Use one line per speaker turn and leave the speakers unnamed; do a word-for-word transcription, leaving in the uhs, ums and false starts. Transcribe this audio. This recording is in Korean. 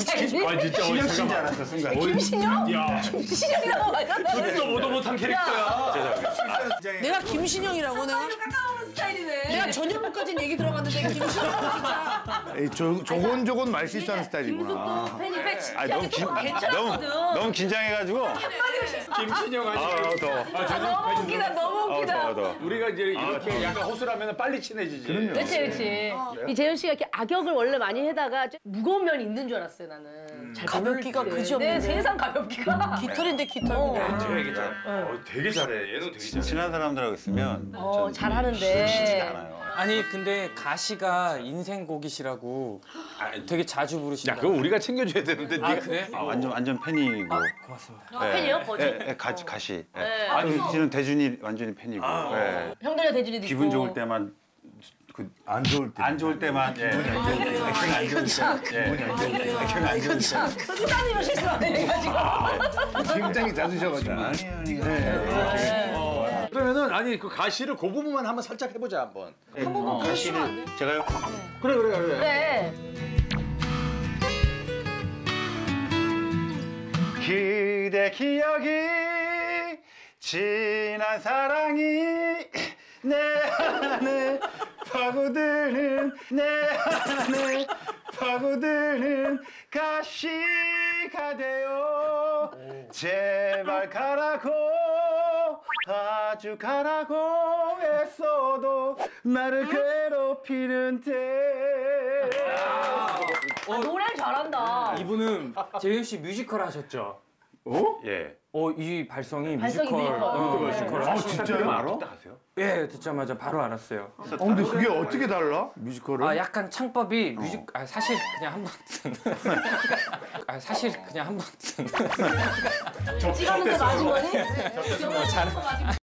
스타일이니?
아 진짜
신영 씨인 줄 알았어 순간.
김신영?
야,
김신영이라고 맞았다.
듣도 보도 못한 캐릭터야.
죄송합니다.
내가 김신영이라고 내가?
가까운 스타일이네.
내가 전현무까지는 얘기 들어갔는데 김신영 진짜.
에이, 조, 조곤조곤 말 실수하는 스타일이구나.
김숙도 팬이 팬
아 너무 긴 너무
괜찮았거든.
너무 긴장해가지고.
한마디 실수.
김신영 아직.
아 더워.
아, 너무 웃기다, 너무
아
웃기다.
더워 더워.
우리가 이제 이렇게 약간 호술하면 빨리 친해지지.
그럼요.
그렇지, 그렇지. 이 재현 씨가 이렇게 악역을 원래 많이 해다가 좀 무거운 면이 있는 줄 알았어요, 나는. 잘
가볍기가
모르겠는데.
그지없는데.
네, 세상 가볍기가.
깃털인데 깃털.
어.
제가 얘기 잘. 어, 되게 잘해. 얘는 되게 잘해.
친한 사람들하고 있으면
어,
전
잘하는데.
쉽지가 않아요.
아니 근데 가시가 인생곡이시라고 되게 자주
야,
부르신다.
그거 우리가 챙겨줘야 되는데.
아
네가-
그래?
아, 완전 완전 팬이고.
고맙습니다.
아, 팬이에요? 거지?
예, 예, 가시 가시. 예.
네.
아니 씨는 대준이 완전히 팬이고. 예.
형들이랑 대준이도 있고.
기분 좋을 때만 그
안 좋을 때.
안 좋을 때만 예. 기분이 안 좋을 때. 기분이 안 좋을 때. 예. 기분이 안 좋을 때. 기분이 안 좋을 때.
수단이로 실수하네, 해가지고.
굉장히 잦으셔가지고.
그러면은 아니 그 가시를 그 부분만 한번 살짝 해보자 한번.
한 번만
가시를 제가요.
그래 그래 그래.
그래.
그대 기억이 지난 사랑이 내 안에 파고드는 내 안에 파고드는 가시가 되어 제발 가라고 아주 가라고 애써도 나를 괴롭히는데.
아, 노래를 잘한다.
이분은 재현 씨 뮤지컬 하셨죠?
어? 예.
어 이 발성이
발성이
뮤지컬.
뮤지컬.
어,
네.
뮤지컬
아,
하시는
진짜요?
거
알아?
아세요?
예, 듣자마자 바로 알았어요.
어, 근데 그게 어떻게 달라? 뮤지컬은?
아 약간 창법이 뮤직 아 사실 그냥 한 번 아 사실 그냥 한 번
찍었는데 맞은 거니?